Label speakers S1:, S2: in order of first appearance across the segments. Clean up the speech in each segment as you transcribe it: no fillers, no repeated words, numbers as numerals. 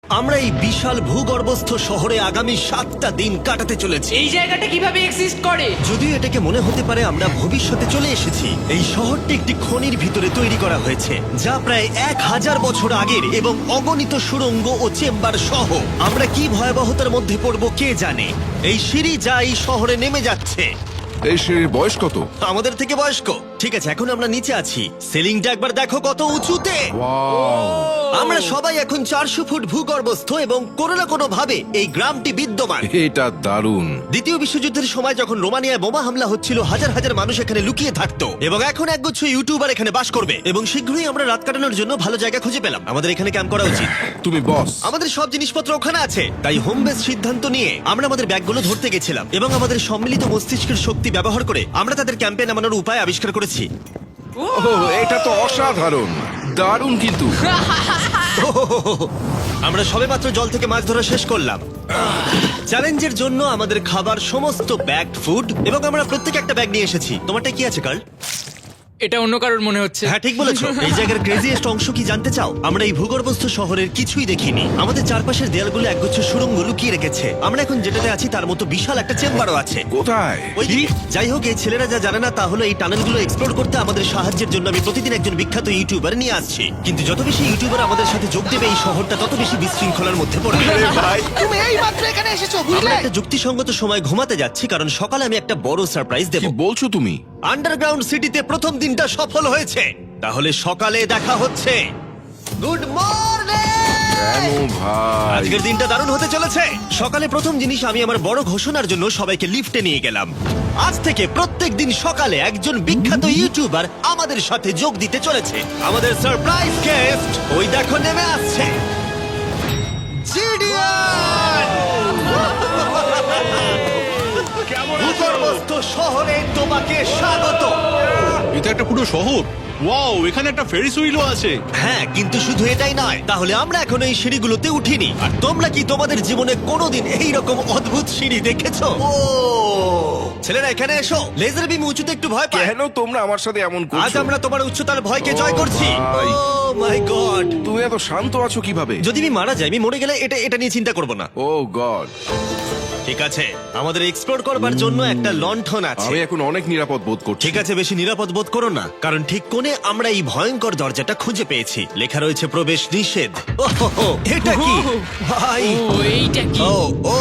S1: আমরা এই বিশাল ভূগর্ভস্থ শহরে আগামী 7টা দিন কাটাতে চলেছি।
S2: এই জায়গাটা কিভাবে এক্সিস্ট করে?
S1: যদিও এটাকে মনে হতে পারে আমরা ভবিষ্যতে চলে এসেছি, এই শহরটি একটি খনির ভিতরে তৈরি করা হয়েছে যা প্রায় 1000 বছর আগের এবং অগণিত সুড়ঙ্গ ও চেম্বার সহ। আমরা কি ভয়াবহতার মধ্যে পড়ব কে জানে। এই সিঁড়ি যা এই শহরে নেমে যাচ্ছে
S3: এই সিঁড়ির বয়স কত?
S1: আমাদের থেকে বয়স্ক। ঠিক আছে, এখন আমরা নিচে আছি, সিলিংটা একবার দেখো কত উঁচুতে। আমরা সবাই এখন 400 ফুট ভূগর্ভস্থ এবং কোনো না কোনো ভাবে এই গ্রামটি বিদ্যমান।
S3: এটা দারুণ।
S1: দ্বিতীয় বিশ্বযুদ্ধের সময় যখন রোমানিয়ায় বোমা হামলা হচ্ছিল, হাজার হাজার মানুষ এখানে লুকিয়ে থাকতো এবং এখন একগুচ্ছ ইউটিউবার এখানে বাস করবে এবং শীঘ্রই আমরা রাত কাটানোর জন্য ভালো জায়গা খুঁজে পেলাম। আমাদের এখানে ক্যাম্প করা উচিত।
S3: তুমি বস।
S1: আমাদের সব জিনিসপত্র ওখানে আছে, তাই হোম বেস সিদ্ধান্ত নিয়ে আমরা আমাদের ব্যাগগুলো ধরতে গেছিলাম এবং আমাদের সম্মিলিত মস্তিষ্কের শক্তি ব্যবহার করে আমরা তাদের ক্যাম্পে নামানোর উপায় আবিষ্কার করেছি।
S3: ওহ, এটা তো অসাধারণ, দারুণ। কিন্তু
S1: আমরা সবেমাত্র জল থেকে মাছ ধরা শেষ করলাম। চ্যালেঞ্জের জন্য আমাদের খাবার সমস্ত ব্যাগড ফুড এবং আমরা প্রত্যেক একটা ব্যাগ নিয়ে এসেছি। তোমারটা কি আছে কার্ল?
S2: এটা অন্য কারোর মনে হচ্ছে।
S1: হ্যাঁ, ঠিক বলেছো। এই জায়গার ক্রেজিয়েস্ট অংশ কি জানতে চাও? আমরা এই ভূগর্ভস্থ শহরের কিছুই দেখিনি। আমাদের চারপাশের দেয়ালগুলো একগুচ্ছ সুড়ঙ্গ লুকিয়ে রেখেছে। আমরা এখন যেটাতে আছি তার মতো বিশাল একটা চেম্বারও আছে
S3: কোথায়?
S1: ওইদিকে। যাই হোক, এই ছেলেরা যা জানে না তা হলো এই টানেলগুলো এক্সপ্লোর করতে আমাদের সাহায্যের জন্য আমি প্রতিদিন একজন বিখ্যাত ইউটিউবার নিয়ে আসছি। কিন্তু যত বেশি ইউটিউবার আমাদের সাথে যোগ দেবে এই শহরটা তত বেশি বিশৃঙ্খলার মধ্যে পড়বে।
S4: তুমি এই মাত্র এখানে এসেছো,
S1: আমরা
S4: বুঝলে?
S1: একটা যুক্তিসঙ্গত সময় ঘুমাতে যাচ্ছি কারণ সকালে আমি একটা বড় সারপ্রাইজ দেব।
S3: কি বলছো তুমি?
S1: আন্ডারগ্রাউন্ড সিটিতে প্রথম দিনটা সফল হয়েছে, তাহলে সকালে দেখা হচ্ছে। Good morning!
S3: কেন ভাই?
S1: আজকের দিনটা দারুণ হতে চলেছে। সকালে প্রথম জিনিস, আমি আমার বড় ঘোষণার জন্য সবাইকে লিফটে নিয়ে গেলাম। আজ থেকে প্রত্যেক দিন সকালে একজন বিখ্যাত ইউটিউবার আমাদের সাথে যোগ দিতে চলেছে। আমাদের সারপ্রাইজ গেস্ট ওই দেখো নেমে আসছে, জিডিয়ান! ভূগর্ভস্থ শহরে তোমাকে স্বাগত।
S5: এটা একটা পুরো শহর। ওয়াও, এখানে একটা ফেরিস হুইলও আছে।
S1: হ্যাঁ, কিন্তু শুধু এটাই নয়। তাহলে আমরা এখন এই সিঁড়িগুলোতে উঠিনি। আর তোমরা কি তোমাদের জীবনে কোনোদিন এই রকম অদ্ভুত সিঁড়ি দেখেছো? ও ছেলেরা, এখানে এসো। লেজার বিম উঁচুতে একটু ভয় পায়।
S3: কেন তোমরা আমার সাথে এমন
S1: আজ
S3: করছো?
S1: আমরা তোমার উচ্চতার ভয়কে জয়
S3: ও
S1: করছি।
S3: ভাই।
S1: Oh my God!
S3: তুমি এত শান্ত আছো কিভাবে?
S1: যদি আমি মারা যাই, আমি মরে গেলে এটা নিয়ে চিন্তা করব না।
S3: ও গড,
S1: ঠিক আছে, আমাদের এক্সপ্লোর করবার জন্য একটা লণ্ঠন আছে।
S3: আমি এখন অনেক নিরাপদ বোধ করছি।
S1: ঠিক আছে, বেশি নিরাপদ বোধ করো না, কারণ ঠিক কোণে আমরা এই ভয়ঙ্কর দরজাটা খুঁজে পেয়েছি। লেখা রয়েছে প্রবেশ নিষেধ। ওহো, এটা কি ভাই?
S2: ও এইটা কি?
S1: ও ও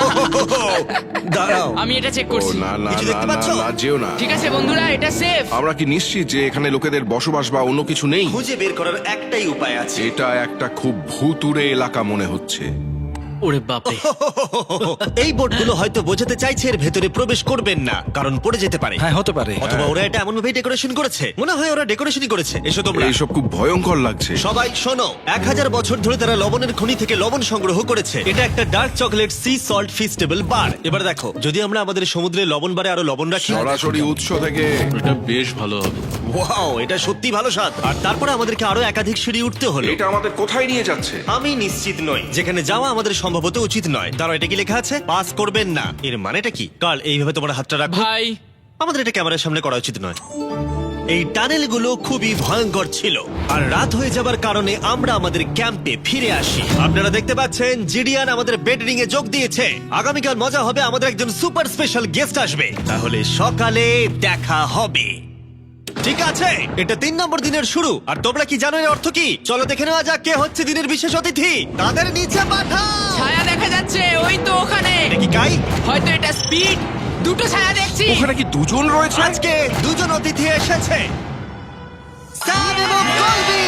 S1: দাঁড়াও,
S2: আমি এটা চেক
S3: ও
S2: করছি।
S3: না না
S1: কিছু
S3: না
S1: দেখতে
S3: না
S1: পাচ্ছো?
S3: না, যেও না।
S2: ঠিক আছে বন্ধুরা, এটা সেফ।
S3: আমরা কি নিশ্চিত যে এখানে লোকেদের বসবাস বা অন্য কিছু নেই?
S1: খুঁজে বের করার একটাই উপায় আছে।
S3: এটা একটা খুব ভুতুড়ে এলাকা মনে হচ্ছে।
S2: ওরে বাপরে।
S1: এই বোর্ডগুলো হয়তো বোঝাতে চাইছে এর ভেতরে প্রবেশ করবেন না, কারণ পড়ে যেতে পারে।
S4: হ্যাঁ, হতে পারে।
S1: অথবা ওরা এটা এমন ভাবে ডেকোরেশন করেছে, মনে হয় ওরা ডেকোরেশনই করেছে। এসো তোমরা।
S3: এইসব খুব ভয়ঙ্কর লাগছে।
S1: সবাই শোনো, 1000 বছর ধরে তারা লবণের খনি থেকে লবণ সংগ্রহ করেছে। এটা একটা dark chocolate sea salt Feastables bar. এবার দেখো, যদি আমরা আমাদের সমুদ্রে লবণ বারে আরো লবণ রাখি।
S3: সরাসরি উৎস থেকে।
S5: এটা বেশ ভালো হবে।
S1: ওয়াও, এটা সত্যি ভালো স্বাদ। আর তারপরে আমাদেরকে আরো একাধিক সিঁড়ি উঠতে হলো।
S3: এটা আমাদের কোথায় নিয়ে যাচ্ছে?
S1: আমি নিশ্চিত নই, যেখানে যাওয়া আমাদের সম্ভবত উচিত নয়। দাঁড়াও, এটা কি লেখা আছে? পাস করবেন না। এর মানেটা কি? কাল এইভাবে তোমার হাতটা রাখো।
S2: ভাই,
S1: আমাদের এটা ক্যামেরার সামনে করা উচিত নয়। এই টানেলগুলো খুবই ভয়ঙ্কর ছিল, আর রাত হয়ে যাবার কারণে আমরা আমাদের ক্যাম্পে ফিরে আসি। আপনারা দেখতে পাচ্ছেন জিডিয়ান আমাদের বেডরিং এ যোগ দিয়েছে। আগামীকাল মজা হবে, আমাদের একজন সুপার স্পেশাল গেস্ট আসবে। তাহলে সকালে দেখা হবে। ঠিক আছে, এটা 3 নম্বর দিনের শুরু। আর তোমরা কি জানো এর অর্থ কি? চলো দেখে নেওয়া যাক কে হচ্ছে দিনের বিশেষ অতিথি। তাদের নিচে পাঠাও।
S2: ছায়া দেখা যাচ্ছে ওই তো ওখানে।
S1: এটা কি কাই?
S2: হয়তো এটা স্পিড। দুটো ছায়া দেখছি।
S3: ওখানে কি দুজন রয়েছে?
S1: আজকে দুজন অতিথি এসেছে, স্যাম এবং কলবি।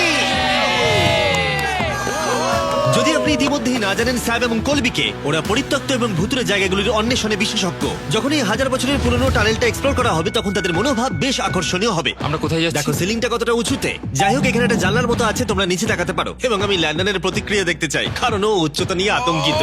S1: যদি আপনি ইতিমধ্যেই না জানেন স্যাম এবং কলবিকে, ওরা পরিত্যক্ত এবং ভুতুরে জায়গাগুলির অন্বেষণে বিশেষজ্ঞ। যখন এই 1000 বছরের পুরনো টানেলটা এক্সপ্লোর করা হবে, তখন তাদের মনোভাব বেশ আকর্ষণীয় হবে।
S2: আমরা কোথায় যাচ্ছি?
S1: দেখো সিলিংটা কতটা উঁচুতে। যাই হোক, এখানে একটা জানলার মতো আছে, তোমরা নিচে তাকাতে পারো। এবং আমি ল্যান্ডনের প্রতিক্রিয়া দেখতে চাই, কারণ ও উচ্চতা নিয়ে আতঙ্কিত।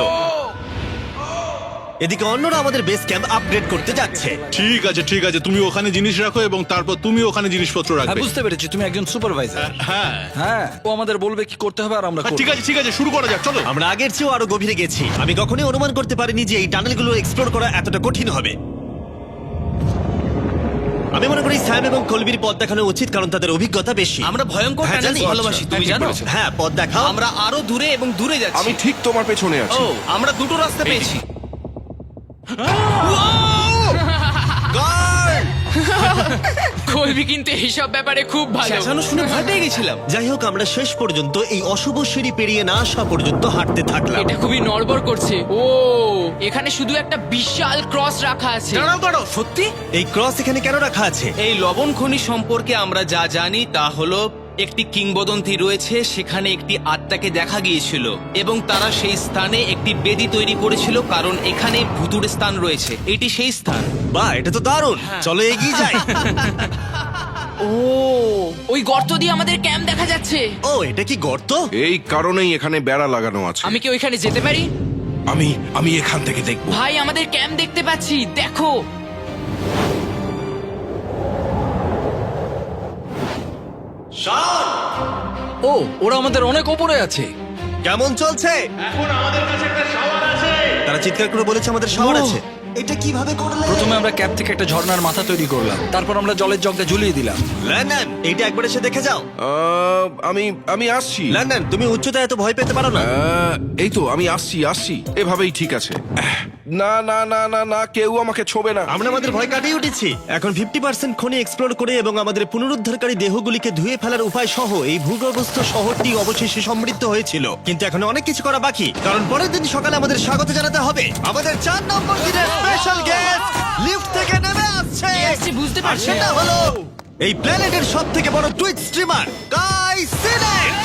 S1: এদিকে অন্যরা আমাদের বেস ক্যাম্প আপগ্রেড করতে যাচ্ছে।
S5: ঠিক আছে ঠিক আছে, তুমি ওখানে জিনিস রাখো এবং তারপর তুমি ওখানে জিনিসপত্র
S4: হ্যাঁ,
S5: রাখবে।
S4: বুঝতে পেরেছি, তুমি একজন সুপারভাইজার।
S5: হ্যাঁ
S4: হ্যাঁ, ও আমাদের বলবে কি করতে হবে আর আমরা করব।
S5: ঠিক আছে, শুরু করা যাক, চলো।
S1: আমরা আগের চেয়েও আরো গভীরে গেছি। আমি কখনোই অনুমান করতে পারিনি যে এই টানেলগুলো এক্সপ্লোর করা এতটা কঠিন হবে। আমি মনে করি স্যাম এবং কলবির পথ দেখানো উচিত, কারণ তাদের অভিজ্ঞতা বেশি।
S6: আমরা ভয়ঙ্কর
S1: হ্যাঁ,
S6: টানেলস
S1: জানি।
S6: ভালোবাসি, তুমি জানো?
S1: হ্যাঁ, পথ দেখাও।
S6: আমরা আরো দূরে এবং দূরে যাচ্ছি।
S3: আমি ঠিক তোমার পেছনে আছি।
S6: ও, আমরা দুটো রাস্তা পেয়েছি।
S2: কলবি কিন্তু এইসব ব্যাপারে খুব ভালো।
S6: চেঁচানো শুনে ভয় পেয়ে গেছিলাম।
S1: যাই হোক, আমরা শেষ পর্যন্ত এই অশুভ সিঁড়ি পেরিয়ে না আসা পর্যন্ত হাঁটতে থাকলাম।
S2: এটা খুবই নড়বড় করছে। ও, এখানে শুধু একটা বিশাল ক্রস রাখা আছে।
S6: দাঁড়াও দাঁড়াও, সত্যি?
S1: এই ক্রস এখানে কেন রাখা আছে?
S6: এই লবণ খনি সম্পর্কে আমরা যা জানি তা হলো একটি কিংবদন্তি রয়েছে, সেখানে একটি আত্মাকে দেখা গিয়েছিল এবং তারা সেই স্থানে একটি বেদি তৈরি করেছিল, কারণ এখানে ভুতুড়ে স্থান রয়েছে। এটি সেই স্থান।
S1: বাহ, এটা তো দারুণ। চলো এগিয়ে যাই।
S2: ও, ওই গর্ত দিয়ে আমাদের ক্যাম্প দেখা যাচ্ছে।
S1: ও, এটা কি গর্ত?
S3: এই কারণেই এখানে বেড়া লাগানো আছে।
S2: আমি কি ওইখানে যেতে পারি?
S3: আমি এখান থেকে দেখব।
S2: ভাই, আমাদের ক্যাম্প দেখতে পাচ্ছি, দেখো।
S4: ও, ওরা আমাদের অনেক ওপরে আছে।
S1: কেমন চলছে? তারা চিৎকার করে বলেছে আমাদের শহর আছে। এটা কিভাবে করলে?
S4: প্রথমে আমরা ক্যাপ থেকে একটা ঝর্ণার মাথা তৈরি করলাম, তারপর আমরা জলের জগটা ঝুলিয়ে দিলাম।
S1: লন্ডন, এইটা একবার এসে দেখে যাও।
S3: আমি আসছি।
S1: লন্ডন, তুমি উচ্চতায় এত ভয় পেতে পারো না।
S3: এই তো আমি আসছি। এভাবেই ঠিক আছে। না না না না না, কেউ আমাকে ছোবে না।
S1: আমরা আমাদের ভয় কাটিয়ে উঠেছি। এখন 50% খনি এক্সপ্লোর করে এবং আমাদের পুনরুদ্ধারকারী দেহগুলিকে ধুয়ে ফেলার উপায় সহ এই ভূগর্ভস্থ শহরটি অবশেষে সমৃদ্ধ হয়েছিল। কিন্তু এখন অনেক কিছু করা বাকি, কারণ পরের দিন সকালে আমাদের স্বাগত জানাতে হবে আমাদের 4 নম্বর দিনের স্পেশাল গেস্ট লিফট থেকে নেমে আসছে।
S2: কে আসছে বুঝতে
S1: আর
S2: পারছি
S1: সেটা
S2: না।
S1: হলো এই প্ল্যানেটের সবথেকে বড় টুইট স্ট্রিমার গাই সিনেট।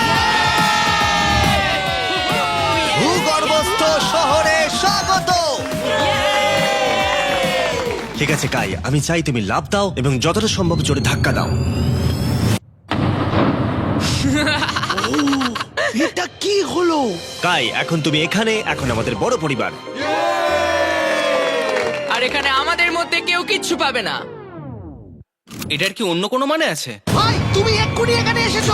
S1: ভূগর্ভস্থ শহরে স্বাগত। ঠিক আছে কাই, আমি চাই তুমি লাফ দাও এবং যতটা সম্ভব জোরে ধাক্কা দাও।
S4: এটা কি হলো?
S1: কাই, এখন তুমি এখানে, এখন আমাদের বড় পরিবার।
S2: আর এখানে আমাদের মধ্যে কেউ কিচ্ছু পাবে না।
S6: এটার কি অন্য কোনো মানে আছে?
S4: ভাই, তুমি এক্ষুনি এখানে এসেছো।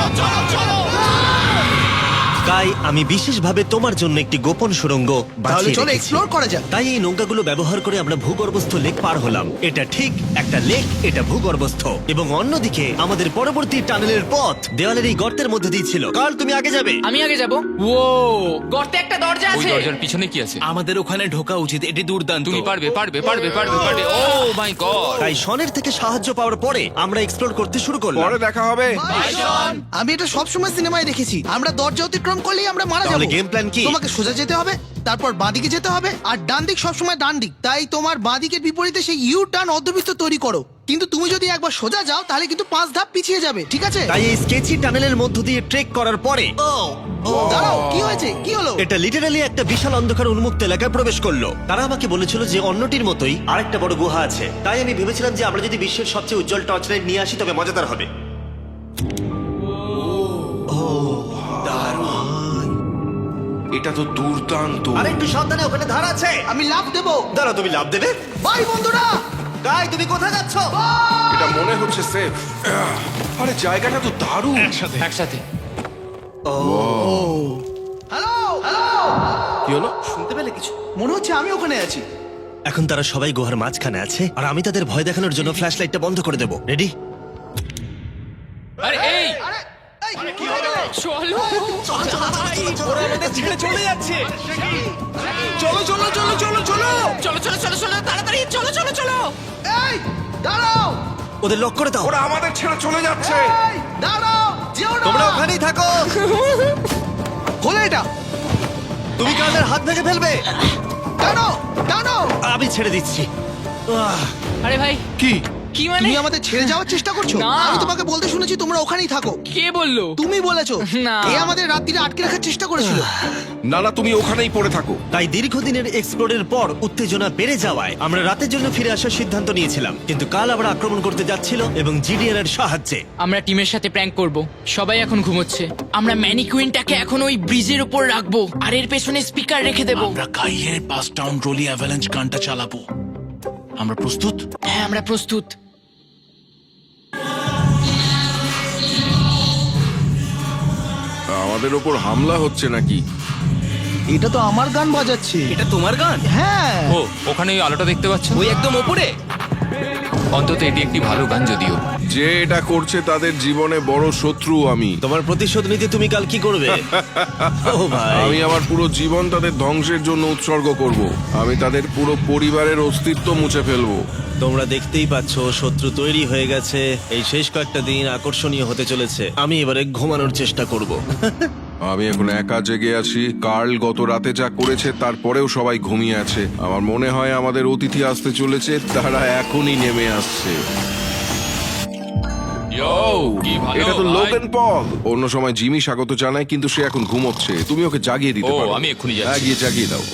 S1: কাই, আমি বিশেষভাবে তোমার জন্য একটি গোপন সুড়ঙ্গ বাছিয়ে রেখেছি।
S4: এক্সপ্লোর করা যাক।
S1: তাই এই নৌকাগুলো ব্যবহার করে আমরা ভূগর্ভস্থ লেক পার হলাম। এটা ঠিক একটা লেক, এটা ভূগর্ভস্থ। এবং অন্যদিকে আমাদের পরবর্তী টানেলের পথ দেওয়ালের এই গর্তের মধ্যে দিয়ে ছিল। কাল, তুমি আগে যাবে।
S2: আমি আগে যাব। ও, গর্তে একটা দরজা
S7: ওই
S2: আছে।
S7: দরজার পিছনে কি আছে?
S6: আমাদের ওখানে ঢোকা উচিত, এটি দুর্দান্ত।
S7: তুমি পারবে পারবে পারবে পারবে পারবে। Oh my God!
S1: তাই শনের থেকে সাহায্য পাওয়ার পরে আমরা এক্সপ্লোর করতে শুরু করলাম।
S3: পরে দেখা হবে।
S8: আমি এটা সবসময় সিনেমায় দেখেছি, আমরা দরজা অতিক্রম করলেই আমরা মারা
S1: তাহলে
S8: যাবো।
S1: game plan কি?
S8: তোমাকে সোজা যেতে হবে, তারপর বাঁদিকে যেতে হবে, আর ডান দিক সবসময় ডান দিক। তাই তোমার বাঁদিকের বিপরীতে সেই ইউ টার্ন অর্ধবৃত্ত তৈরি করো। কিন্তু তুমি যদি একবার সোজা যাও তাহলে কিন্তু 5 ধাপ পিছিয়ে যাবে, ঠিক আছে?
S1: তাই এই স্কেচি টানেলের মধ্য দিয়ে ট্রেক করার পরে
S8: দাঁড়াও, কি হয়েছে, কি হলো?
S1: এটা লিটারালি একটা বিশাল অন্ধকার উন্মুক্ত এলাকায় প্রবেশ করলো। তারা আমাকে বলেছিল যে অন্যটির মতোই আরেকটা বড় গুহা আছে। তাই আমি ভেবেছিলাম যে আমরা যদি বিশ্বের সবচেয়ে উজ্জ্বল টর্চ লাইট নিয়ে আসি তবে মজাদার হবে।
S3: এটা তো দুর্দান্ত।
S1: আর একটু সাবধানে, ওখানে ধার আছে।
S8: আমি লাফ দেবো।
S1: দাঁড়াও, তুমি লাভ দেবে?
S8: বাই বন্ধুরা।
S1: গাই, তুমি কোথায় যাচ্ছ?
S3: এটা মনে হচ্ছে সেফ। আরে জায়গাটা তো দারুণ।
S7: একসাথে।
S8: হ্যালো হ্যালো,
S3: কি হলো?
S6: শুনতে পেলে কিছু?
S8: মনে হচ্ছে আমি ওখানে আছি।
S1: এখন তারা সবাই গুহার মাঝখানে আছে, আর আমি তাদের ভয় দেখানোর জন্য ফ্ল্যাশ লাইটটা বন্ধ করে দেবো। রেডি?
S7: আরে এই
S8: আরে এই,
S2: চলো।
S6: ছেড়ে চলে যাচ্ছে।
S8: চলো চলো চলো চলো চলো।
S2: চলো চলো চলো চলো, তাড়াতাড়ি চলো চলো চলো।
S8: এই দাঁড়াও,
S1: ওদের লক করে দাও।
S3: ওরা আমাদের ছেড়ে চলে যাচ্ছে।
S8: এই দাঁড়াও, যেও না।
S1: তোমরা ওখানেই থাকো।
S8: খোলো এটা।
S1: তুমি কানের হাত ভেঙে ফেলবে।
S8: টানো টানো।
S1: আমি ছেড়ে দিচ্ছি।
S2: আরে ভাই,
S3: কি?
S2: কি মানে?
S8: তুমি আমাদের ছেড়ে যাওয়ার চেষ্টা করছো?
S2: না।
S8: আমি তোমাকে বলতে শুনেছি তোমরা ওখানেই থাকো।
S2: কে বললো?
S8: তুমি বলেছো।
S2: না।
S8: এ আমাদের রাত্রিরে আটকে রাখার চেষ্টা করেছিল।
S3: না না, তুমি ওখানেই পড়ে থাকো।
S1: তাই দীর্ঘদিনের এক্সপ্লোরের পর উত্তেজনা বেড়ে যাওয়ায় আমরা রাতের জন্য ফিরে আসার সিদ্ধান্ত নিয়েছিলাম। কিন্তু কাল আবার আক্রমণ করতে যাচ্ছিল এবং জিডিএন এর সাহায্যে।
S2: আমরা টিমের সাথে প্র্যাঙ্ক করব। সবাই এখন ঘুমোচ্ছে। আমরা ম্যানিকুইনটাকে এখন ওই ব্রিজের উপর রাখবো আর এর পেছনে স্পিকার রেখে দেবো।
S5: আমরা কাইয়ের পাস টাউন রোলি অ্যাভালাঞ্চ গানটা চালাবো। আমরা প্রস্তুত?
S2: হ্যাঁ, আমরা প্রস্তুত।
S3: আমাদের ওপর হামলা হচ্ছে নাকি?
S8: এটা তো আমার গান বাজাচ্ছে।
S6: এটা তোমার গান?
S8: হ্যাঁ।
S7: ও, ওখানে ওই আলোটা দেখতে পাচ্ছ?
S6: ওই একদম ওপরে।
S7: অন্তত এটি একটি ভালো গান যদিও।
S3: যে এটা করছে তাদের জীবনে বড় শত্রু আমি।
S1: তোমার প্রতিশোধ নিতে তুমি কাল কি করবে? ও ভাই,
S3: আমি আমার পুরো জীবন তাদের ধ্বংসের জন্য উৎসর্গ করব। আমি তাদের পুরো পরিবারের অস্তিত্ব মুছে ফেলবো।
S1: তোমরা দেখতেই পাচ্ছ শত্রু তৈরি হয়ে গেছে। এই শেষ কয়েকটা দিন আকর্ষণীয় হতে চলেছে। আমি এবারে ঘুমানোর চেষ্টা করব।
S3: আমি এখন একা জেগে আছি। কার্ল গত রাতে যা করেছে তারপরেও সবাই ঘুমিয়ে আছে। আমার মনে হয় আমাদের অতিথি আসতে চলেছে, তারা এখনই নেমে আসছে।
S7: কি ভালো
S3: এটা তো
S7: ভাই।
S3: Logan Paul. অন্য সময় জিমি স্বাগত জানায়, কিন্তু সে এখন ঘুমোচ্ছে। তুমি ওকে জাগিয়ে দিতে
S7: ও,
S3: পারো।
S7: আমি এক্ষুনি যাচ্ছি।
S3: হ্যাঁ, গিয়ে জাগিয়ে দাও।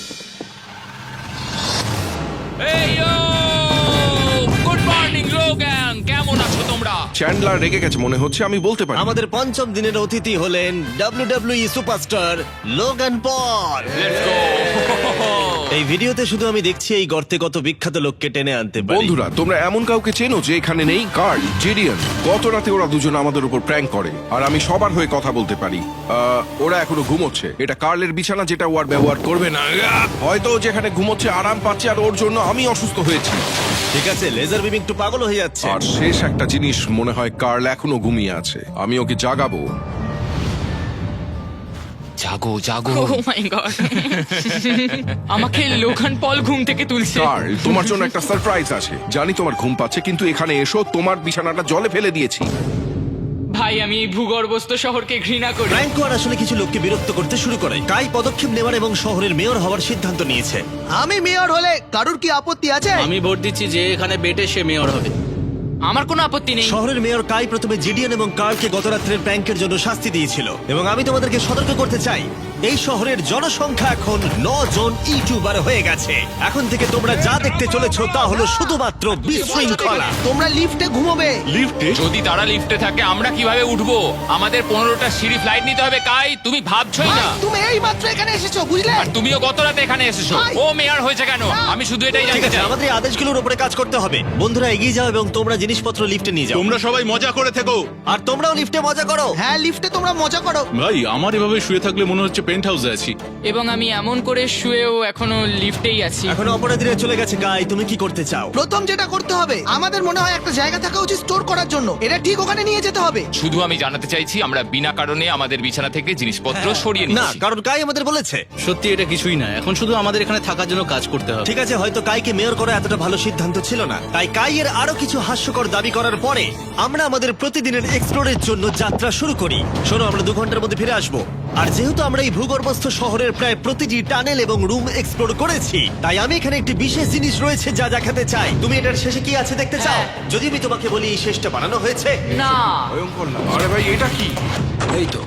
S7: এই গুড মর্নিং লোগান, কেমন আছো তোমরা?
S3: চ্যান্ডলার রেগে গেছে মনে হচ্ছে, আমি বলতে পারি।
S1: আমাদের পঞ্চম দিনের অতিথি হলেন WWE superstar Logan Paul.
S7: Let's go.
S1: এই ভিডিওতে শুধু আমি দেখছি এই গর্তে কত বিখ্যাত লোককে টেনে আনতে পারি।
S3: বন্ধুরা, তোমরা এমন কাউকে চেনো যে এখানে নেই? Karl, Jidion. গত রাতে ওরা দুজন আমাদের উপর প্র্যাঙ্ক করে, আর আমি সবার হয়ে কথা বলতে পারি। ওরা এখনো ঘুমোচ্ছে। এটা কার্লের বিছানা, যেটা ও আর ব্যবহার করবে না। হয়তো ও যেখানে ঘুমোচ্ছে আরাম পাচ্ছে, আর ওর জন্য আমি অসুস্থ হয়েছি।
S1: ঠিক আছে, লেজার বিম একটু পাগল হয়ে যাচ্ছে।
S3: আর শেষ একটা জিনিস, মনে হয় কার্ল এখনো ঘুমিয়ে আছে। আমি ওকে জাগাবো।
S7: জাগো জাগো।
S2: ও মাই গড, আমাকে লোগান পল ঘুম থেকে তুলছে।
S3: কার্ল, তোমার জন্য একটা সারপ্রাইজ আছে। জানি তোমার ঘুম পাচ্ছে, কিন্তু এখানে এসো, তোমার বিছানাটা জলে ফেলে দিয়েছি।
S2: ভাই, আমি এই ভূগর্ভস্থ শহরকে ঘৃণা করি।
S1: ফ্র্যাঙ্কো আর আসলে কিছু লোককে বিরক্ত করতে শুরু করে। কাই পদক্ষেপ নেওয়ার এবং শহরের মেয়র হওয়ার সিদ্ধান্ত নিয়েছে।
S8: আমি মেয়র হলে কারুর কি আপত্তি আছে?
S4: আমি ভোট দিচ্ছি যে এখানে বেটে সে মেয়র হবে।
S2: আমার কোনো আপত্তি নেই।
S1: শহরের মেয়র কাই প্রথমে জিডিয়ান এবং কার্লকে গত রাত্রের প্র্যাঙ্কের জন্য শাস্তি দিয়েছিল, এবং আমি তোমাদেরকে সতর্ক করতে চাই, এই শহরের জনসংখ্যা এখন 9 জন ইউটিউবার হয়ে গেছে। এখন থেকে তোমরা যা দেখতে চলেছো তা হলো শুধুমাত্র বিশৃঙ্খলা।
S8: তোমরা লিফটে ঘুমোবে।
S7: যদি তারা লিফটে থাকে আমরা কিভাবে উঠবো? আমাদের 15টা সিঁড়ি ফ্লাইট নিতে হবে। কাই, তুমি ভাবছোই
S8: ভাই,
S7: না।
S8: তুমি এই মাত্র এখানে এসেছো, বুঝলে?
S7: আর তুমিও গত রাতে এখানে এসেছো।
S8: ভাই।
S7: ও মেয়র হয়েছে কেন? আমি শুধু এটাই
S1: ঠিক
S7: জানতে
S1: আছে,
S7: চাই।
S1: আমাদের এই আদেশগুলোর উপরে কাজ করতে হবে। বন্ধুরা, এগিয়ে যাও এবং তোমরা জিনিসপত্র লিফটে নিয়ে যাও।
S5: তোমরা সবাই মজা করে থেকো।
S1: আর তোমরাও লিফটে মজা করো।
S8: হ্যাঁ, লিফটে তোমরা মজা করো।
S5: ভাই, আমার এভাবে শুয়ে থাকলে মনে হচ্ছে পেন্ট হাউসে আছি।
S2: এবং আমি এমন করে শুয়েও এখনো লিফটেই আছি।
S1: এখন অপরাধীরা চলে গেছে। কাই, তুমি কি করতে চাও?
S8: প্রথম যেটা করতে হবে, আমাদের মনে হয় একটা জায়গা থাকা উচিত স্টোর করার জন্য। এটা ঠিক ওখানে নিয়ে যেতে হবে।
S7: শুধু আমি জানাতে চাইছি আমরা বিনা কারণে আমাদের বিছানা থেকে জিনিসপত্র সরিয়ে
S1: না,
S7: নিচ্ছি।
S1: কারণ কাই আমাদের বলেছে।
S4: সত্যি এটা কিছুই না, এখন শুধু আমাদের এখানে থাকার জন্য কাজ করতে হবে।
S1: ঠিক আছে, হয়তো কাইকে মেয়র করা এতটা ভালো সিদ্ধান্ত ছিল না। তাই কাইয়ের আরো কিছু হাস্যকর দাবি করার পরে আমরা আমাদের প্রতিদিনের এক্সপ্লোরের জন্য যাত্রা শুরু করি। শোনো, আমরা 2 ঘন্টার মধ্যে ফিরে আসবো। আর যেহেতু আমরা এই ভূগর্ভস্থ শহরের প্রায় প্রতিটি টানেল এবং রুম এক্সপ্লোর করেছি, তাই আমি এখানে একটি বিশেষ জিনিস রয়েছে যা দেখাতে চাই। তুমি এটার শেষে কি আছে দেখতে চাও? যদি আমি তোমাকে বলি এই শেষটা বানানো হয়েছে।
S2: না,
S3: ভয়ঙ্কর না? আরে ভাই, এটা কি?
S4: এই তো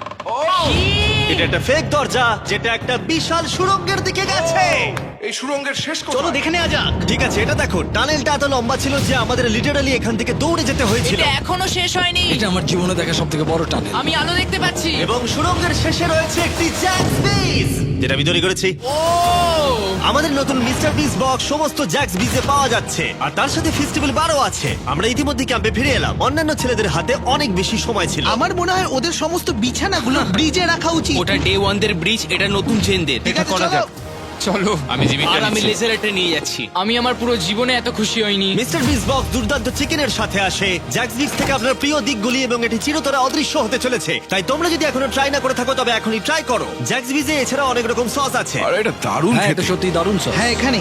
S1: এটা একটা ফেক দরজা, যেটা একটা বিশাল সুড়ঙ্গের দিকে গেছে।
S3: এই সুড়ঙ্গের শেষ
S1: চলো
S3: কোথায়?
S1: দেখে নেওয়া যাক। ঠিক আছে, এটা দেখো, টানেলটা এত লম্বা ছিল যে আমাদের লিটারালি এখান থেকে দৌড়ে যেতে হয়েছিল।
S2: এটা এখনো শেষ হয়নি।
S4: এটা আমার জীবনে দেখা সব থেকে বড় টানেল।
S2: আমি আলো দেখতে পাচ্ছি।
S1: এবং সুড়ঙ্গের শেষে রয়েছে একটি জ্যাক্স বিজ, যেটা আমি তৈরি করেছি।
S2: ও,
S1: আমাদের নতুন মিস্টার বিস বক্স সমস্ত জ্যাক্স বিজে পাওয়া যাচ্ছে, আর তার সাথে ফেস্টিভ্যাল বারও আছে। আমরা ইতিমধ্যে ক্যাম্পে ফিরে এলাম। অন্যান্য ছেলেদের হাতে অনেক বেশি সময় ছিল।
S8: আমার মনে হয় ওদের সমস্ত বিছানাগুলো ব্রিজে রাখা উচিত।
S6: ওটা ডে 1 দের ব্রিজ, এটা নতুন চেনদের।
S8: ঠিক আছে, চলো।
S7: চলো, আমি জিমিটা
S6: আর আমি
S7: নিচ্ছি।
S6: লেজারটা নিয়ে যাচ্ছি।
S2: আমি আমার পুরো জীবনে এত খুশি হইনি।
S1: মিস্টার বিস বক্স দুর্দান্ত চিকেনের সাথে আসে, জ্যাক্স বিক্স থেকে আপনার প্রিয় দিকগুলি, এবং এটি চিরতরে অদৃশ্য হতে চলেছে। তাই তোমরা যদি এখনো ট্রাই না করে থাকো তবে এখনই ট্রাই করো। জ্যাক্স বিজে এছাড়া অনেক রকম সস আছে।
S3: আরে এটা দারুণ
S4: হ্যাঁ, এটা
S3: খেতে।
S4: সত্যি দারুণ সব।
S8: হ্যাঁ, এখানে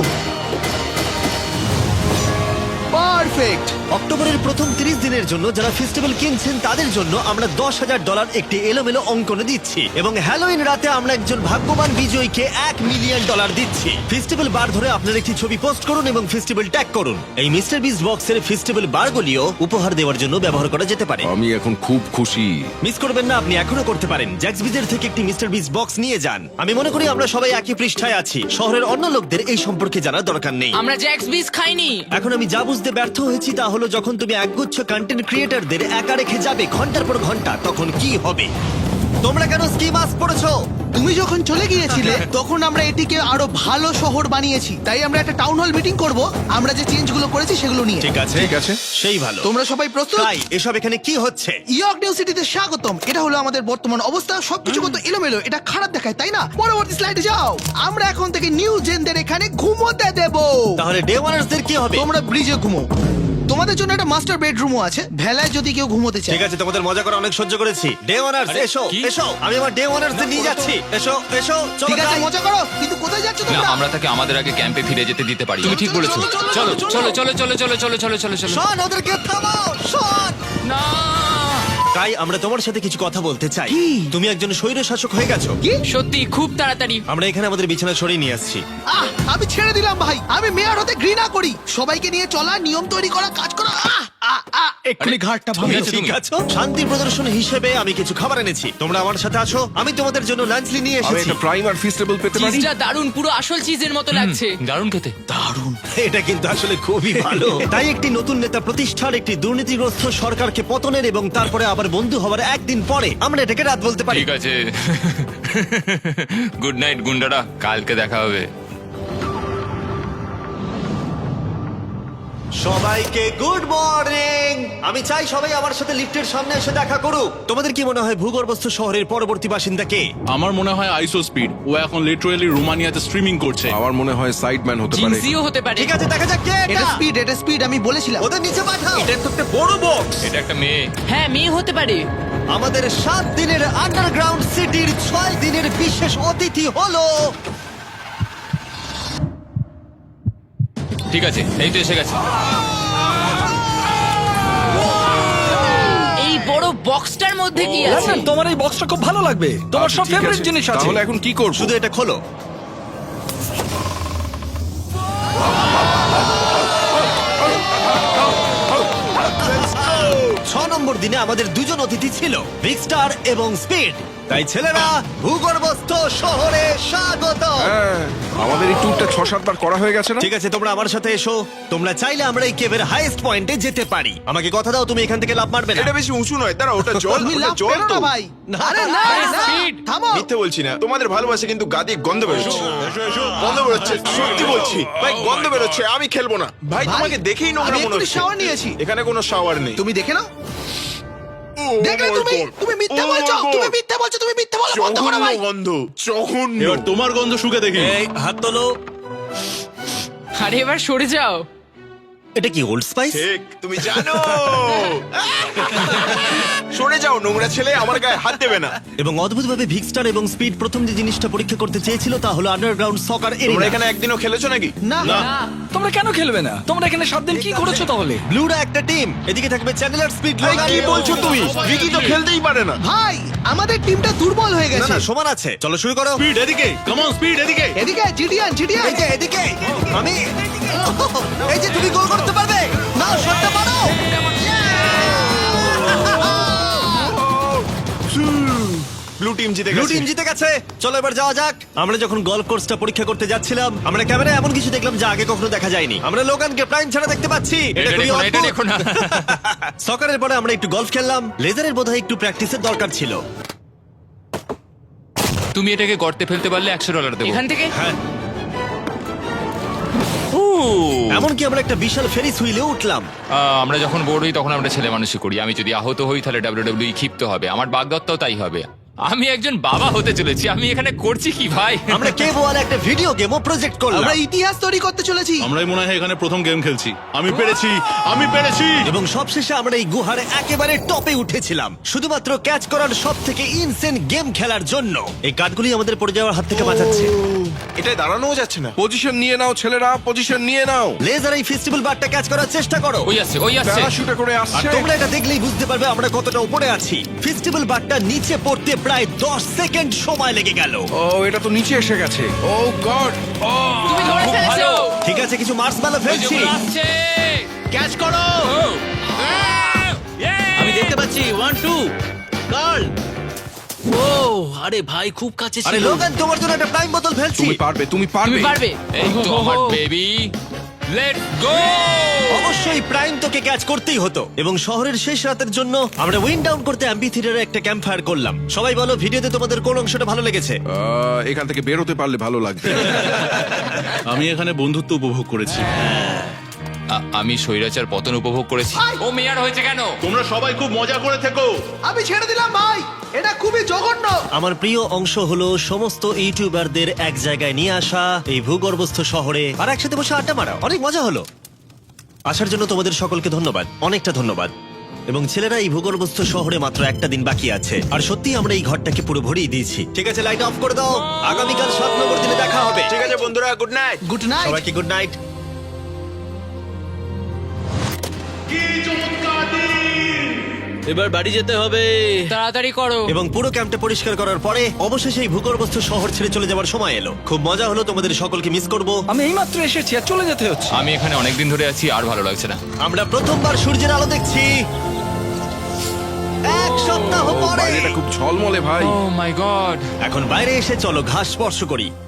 S8: পারফেক্ট।
S1: অক্টোবরের প্রথম 30 দিনের জন্য যারা ফেস্টিভ্যাল কিনছেন তাদের জন্য আমরা $10,000 একটি এলোমেলো অঙ্কনে দিচ্ছি, এবং হ্যালোইন রাতে আমরা একজন ভাগ্যবান বিজয়ীকে $1 মিলিয়ন দিচ্ছি। ফেস্টিভ্যাল বার ধরে আপনার একটি ছবি পোস্ট করুন এবং ফেস্টিভ্যাল ট্যাগ করুন। এই মিস্টার বিস বক্সের ফেস্টিভ্যাল বারগুলিও উপহার দেওয়ার জন্য ব্যবহার করা যেতে পারে।
S3: আমি এখন খুব খুশি।
S1: মিস করবেন না, আপনি এখনো করতে পারেন। জ্যাক্স বিজের থেকে একটি মিস্টার বিস বক্স নিয়ে যান। আমি মনে করি আমরা সবাই একই পৃষ্ঠায় আছি। শহরের অন্য লোকদের এই সম্পর্কে জানার দরকার নেই।
S2: আমরা জ্যাক্স বিস খাইনি।
S1: এখন আমি যা বুঝতে ব্যর্থ হয়েছি তা হলো, যখন তুমি একগুচ্ছ কন্টেন্ট ক্রিয়েটরদের একা রেখে যাবে ঘন্টার পর ঘন্টা, তখন কি হবে? তোমরা কেন স্কি মাস্ক পরেছো?
S8: তুমি যখন চলে গিয়েছিলে তখন আমরা এটিকে আরো ভালো শহর বানিয়েছি। তাই আমরা একটা টাউন হল মিটিং করব, আমরা যে চেঞ্জগুলো করেছি সেগুলো নিয়ে।
S1: ঠিক আছে,
S3: ঠিক আছে।
S1: সেই ভালো।
S8: তোমরা সবাই প্রস্তুত?
S1: তাই এসব এখানে কি হচ্ছে?
S8: ইয়র্ক নিউ সিটিতে স্বাগতম। এটা হলো আমাদের বর্তমান অবস্থা। সবকিছু কত এলোমেলো, এটা খারাপ দেখায়, তাই না? পরবর্তী স্লাইডে যাও। আমরা এখন থেকে নিউ জেনদের এখানে ঘুমোতে দেব।
S1: তাহলে ডে ওয়ানার্সদের কি হবে?
S8: তোমরা ব্রিজে ঘুমো। তোমাদের জন্য একটা মাস্টার বেডরুমও আছে ভেলায় যদি কেউ ঘুমোতে চায়।
S1: ঠিক আছে, তোমাদের মজা করে অনেক সহ্য করেছি। ডে ওয়ানার্স এসো এসো, আমি আমার ডে ওয়ানার্স নিয়ে যাচ্ছি। এসো এসো, চলো
S8: ঠিক আছে,
S1: যাই।
S8: মজা করো, কিন্তু কোথায় যাচ্ছ
S7: না
S8: তোমরা?
S7: আমরা তাকে আমাদের আগে ক্যাম্পে ফিরে যেতে দিতে পারি
S2: তুমি ঠিক বলেছো।
S7: চলো চলো চলো চলো চলো চলো চলো চলো চলো
S1: শন, ওদেরকে থামাও, শন।
S2: না
S1: তাই আমরা তোমার সাথে কিছু কথা বলতে চাই। তুমি একজন স্বৈর শাসক হয়ে গেছো।
S2: সত্যি খুব তাড়াতাড়ি।
S1: আমরা এখানে আমাদের বিছানা সরিয়ে নিয়ে আসছি।
S8: আমি ছেড়ে দিলাম ভাই, আমি মেয়র হতে ঘৃণা করি। সবাইকে নিয়ে চলা, নিয়ম তৈরি করা, কাজ করা।
S4: এক্ষুনি ঘাটটা
S1: তুমি
S4: ভাঙলো।
S1: ঠিক আছো? শান্তি প্রদর্শন হিসেবে আমি কিছু খাবার এনেছি, তোমরা আমার সাথে আছো। আমি তোমাদের জন্য লাঞ্চ নিয়ে
S3: আমি
S1: এসেছি।
S3: একটা প্রাইম আর ফিস্টেবল পেতে পারি?
S2: চিজটা দারুণ, পুরো আসল চিজের মতো লাগছে।
S7: দারুণ খেতে
S1: এটা কিন্তু আসলে খুবই ভালো। তাই একটি নতুন নেতা প্রতিষ্ঠার, একটি দুর্নীতিগ্রস্ত সরকারকে পতনের এবং তারপরে আবার বন্ধু হওয়ার একদিন পরে আমরা এটাকে রাত বলতে পারি।
S7: ঠিক আছে গুড নাইট গুন্ডারা, কালকে দেখা হবে।
S1: সবাইকে গুড মর্নিং। আমি চাই সবাই আমার সাথে লিফটের সামনে এসে দেখা করুক। তোমাদের কি মনে হয় ভূগর্ভস্থ শহরের পরবর্তী বাসিন্দা কে?
S5: আমার মনে হয় আইসো স্পিড, ও এখন লিটারালি রোমানিয়াতে স্ট্রিমিং করছে।
S3: আমার মনে হয় সাইডম্যান হতে পারে।
S2: জিনসিও হতে পারে।
S1: ঠিক আছে, দেখা যাক কে
S8: এটা
S1: এটা।
S8: স্পিড, এটা স্পিড, আমি বলেছিলাম।
S1: ওদের নিচে পাঠাও। এটা তো একটা বড় বক্স।
S7: এটা একটা মেয়ে।
S2: হ্যাঁ, মেয়ে হতে পারে।
S1: আমাদের 7 দিনের আন্ডারগ্রাউন্ড সিটির 6 দিনের বিশেষ অতিথি হলো
S7: ঠিক আছে, এই তো এসে গেছে।
S2: এই বড় বক্সটার মধ্যে কি আছে?
S4: লন্ডন, তোমার এই বক্সটা খুব ভালো লাগবে। তোমার
S3: আচ্ছা,
S4: সব
S3: ঠিক
S4: ফেভারিট
S3: আছে।
S4: জিনিস আছে।
S3: তাহলে এখন কি করব?
S1: শুধু এটা খোলো। ছ নম্বর দিনে আমাদের দুজন অতিথি ছিল, বিগ স্টার এবং স্পিড। তাই ছেলেরা, ভূগর্ভস্থ শহরে স্বাগত।
S3: হ্যাঁ, আমাদের এই ট্যুরটা 6-7 বার করা হয়ে গেছে না?
S1: ঠিক আছে, তোমরা আমার সাথে এসো। তোমরা চাইলে আমরা এই কেভের হাইয়েস্ট পয়েন্টে যেতে পারি। আমাকে কথা দাও তুমি এখান থেকে লাফ মারবে না।
S9: এটা বেশি উঁচু নয়, দাঁড়া, ওটা জল,
S8: তুমি
S9: ওটা
S8: লাভ
S9: জল
S8: করো
S9: তো।
S8: না ভাই। আরে না, না,
S2: speed।
S8: থামো।
S9: মিথ্যে বলছি না, তোমাদের ভালোবাসে কিন্তু গাদি গন্ধ বেরোচ্ছে। গন্ধ বেরোচ্ছে, সত্যি বলছি ভাই, গন্ধ বেরোচ্ছে। আমি খেলবো না ভাই,
S8: ভাই,
S9: তোমাকে দেখেই নোংরা
S8: আমি
S9: মনে
S8: এক্ষুনি
S9: হচ্ছে।
S8: shower নিয়েছি।
S9: এখানে কোনো শাওয়ার নেই।
S8: তুমি দেখে নাও।
S9: ও
S8: দেখলে
S9: my
S8: তুমি,
S9: God!
S8: তুমি মিথ্যা
S9: Oh
S8: বলছো,
S9: my God!
S8: তুমি মিথ্যা বলছো, তুমি মিথ্যা বলা বন্ধ করো
S9: জঘন্য
S8: ভাই।
S9: গন্ধ, জঘন্য।
S5: এবার তোমার গন্ধ শুকে দেখি।
S1: এই হাত তোলো।
S2: আরে এবার সরে যাও।
S1: এটা কি ওল্ড স্পাইস?
S9: ঠিক, তুমি জানো। সরে যাও নোংরা ছেলে, আমার গায়ে হাত দেবে না।
S1: এবং অদ্ভুতভাবে ভিগ স্টার এবং স্পিড প্রথম যে জিনিসটা পরীক্ষা করতে চেয়েছিল তা হলো আন্ডারগ্রাউন্ড সকার
S9: তোমরা
S1: এরিয়া।
S9: এখানে একদিনও খেলেছো নাকি?
S8: না,
S4: তোমরা কেন খেলবে না? তোমরা এখানে 7 দিন কি করেছো তাহলে?
S1: ব্লুরা একটা টিম, এদিকে থাকবে চ্যানেলার, স্পিড,
S9: ভাই,
S1: লোগান।
S9: কি বলছো তুমি? ভিকি তো খেলতেই পারে না।
S8: ভাই, আমাদের টিমটা দুর্বল হয়ে
S1: না
S8: গেছে।
S1: না, সমান আছে। চলো শুরু করো।
S5: স্পিড এদিকে, কাম অন স্পিড এদিকে।
S8: এদিকে জিডিয়ান, জিডিয়ান।
S1: এই যে এদিকে আমি, এই যে তুমি গোল করতে পারবে না, শটটা মারো।
S9: ব্লু টিম জিতে
S1: ব্লু
S9: গেছে।
S1: টিম জিতে গেছে। চলো এবার যাওয়া যাক। আমরা যখন গলফ কোর্সটা পরীক্ষা করতে যাচ্ছিলাম, আমরা ক্যামেরায় এমন কিছু দেখলাম যা আগে কখনো দেখা যায়নি। আমরা লোগানকে প্রাইম ছাড়া দেখতে পাচ্ছি।
S7: এটা
S1: খুবই
S7: দেখো না, এটা
S1: অদ্ভুত।
S7: দেখো না।
S1: সকারের পরে আমরা একটু গলফ খেললাম। লেজারের বোধহয় একটু প্র্যাকটিসের দরকার ছিল।
S7: তুমি এটাকে গর্তে ফেলতে পারলে $100 দেবো।
S2: এখান থেকে
S1: হ্যাঁ,
S7: ও,
S1: এমনকি আমরা একটা বিশাল ফেরিস হুইলে উঠলাম।
S7: আমরা যখন বোর হই তখন আমরা ছেলে মানুষই করি। আমি যদি আহত হই তাহলে WWE ক্ষিপ্ত হবে। আমার বাগদত্তাও তাই হবে। আমি একজন বাবা হতে চলেছি। আমি এখানে করছি কি ভাই?
S1: আমরা কেভ ওয়ালে একটা ভিডিও গেমও প্রজেক্ট করলাম।
S8: আমরা ইতিহাস তৈরি করতে চলেছি।
S5: আমরাই মনে হয় এখানে প্রথম গেম খেলছি। আমি পেরেছি, আমি পেরেছি।
S1: এবং সবশেষে আমরা এই গুহার একেবারে টপে উঠেছিলাম শুধুমাত্র ক্যাচ করার সব থেকে ইনসেন গেম খেলার জন্য। এই কাঠগুলি আমাদের পড়ে যাওয়ার হাত থেকে বাঁচাচ্ছে।
S9: এটায় দাঁড়ানোও যাচ্ছে না।
S3: পজিশন নিয়ে নাও ছেলেরা, পজিশন নিয়ে নাও।
S1: লেজার এই ফেস্টিভ্যাল বারটা ক্যাচ করার চেষ্টা করো।
S7: ওই আসছে, ওই আসছে।
S3: প্যারাশুটে করে
S1: আর
S3: আসছে।
S1: তোমরা এটা দেখলেই বুঝতে পারবে আমরা কতটা উপরে আছি। ফেস্টিভ্যাল বারটা নিচে পড়তে প্রায় 10 সেকেন্ড সময় লেগে গেল।
S3: ও, এটা তো নিচে এসে গেছে। Oh god.
S2: তুমি ধরে
S7: খুব
S2: ফেলেছো।
S7: ভালো।
S1: ঠিক আছে, কিছু মার্সম্যালো ফেলছি।
S7: যেগুলো আসছে।
S6: ক্যাচ করো।
S7: ও,
S6: আমি দেখতে পাচ্ছি 1 2 গার্ল। ও আরে ভাই, খুব কাছে
S1: আরে
S6: ছিল।
S1: লোগান, তোমার জন্য একটা টাইম বোতল ফেলছি।
S3: তুমি পারবে, তুমি পারবে।
S2: তুমি পারবে।
S7: এই তো আমার বেবি। Let's go.
S1: অবশ্যই প্রাইম তোকে ক্যাচ করতেই হতো। এবং শহরের শেষ রাতের জন্য আমরা উইন্ড ডাউন করতে অ্যাম্পি থিয়েটারে একটা ক্যাম্প ফায়ার করলাম। সবাই বলো ভিডিওতে তোমাদের কোন অংশটা ভালো লেগেছে?
S3: এখান থেকে বেরোতে পারলে ভালো লাগবে।
S5: আমি এখানে বন্ধুত্ব উপভোগ করেছি।
S7: আমি স্বৈরাচার পতন উপভোগ করেছি। ও মেয়ার হয়েছে কেন?
S5: তোমরা সবাই খুব মজা করে থেকো।
S8: আমি ছেড়ে দিলাম ভাই, এটা খুবই জঘন্য।
S1: আমার প্রিয় অংশ হলো সমস্ত ইউটিউবারদের এক জায়গায় নিয়ে আসা এই ভূগর্ভস্থ শহরে আর একসাথে বসে আড্ডা মারা। অনেক মজা হলো। আসার জন্য তোমাদের সকলকে ধন্যবাদ, অনেকটা ধন্যবাদ। এবং ছেলেরা, এই ভূগর্ভস্থ শহরে মাত্র একটা দিন বাকি আছে, আর সত্যি আমরা এই ঘরটাকে পুরো ভরিয়ে দিয়েছি। ঠিক আছে, লাইট অফ করে দাও। আগামীকাল 7 নম্বর দিনে দেখা হবে।
S9: ঠিক আছে বন্ধুরা, গুড নাইট।
S8: Good night.
S1: সবাইকে গুড নাইট।
S6: এবার বাড়ি যেতে হবে।
S2: তাড়াতাড়ি করো।
S1: এবং পুরো ক্যাম্পটা পরিষ্কার করার পরে অবশেষে এই ভূগর্ভস্থ শহর ছেড়ে চলে যাওয়ার সময় এলো। খুব মজা হলো, তোমাদের সকলকে মিস করব।
S4: আমি এইমাত্র এসেছি আর চলে যেতে হচ্ছে।
S7: আমি এখানে অনেকদিন ধরে আছি আর ভালো লাগছে না।
S1: আমরা প্রথমবার সূর্যের আলো দেখছি 1 সপ্তাহ পরে।
S3: বাইরেটা খুব ঝলমলে ভাই।
S7: Oh my god.
S1: এখন বাইরে এসে চলো ঘাস স্পর্শ করি।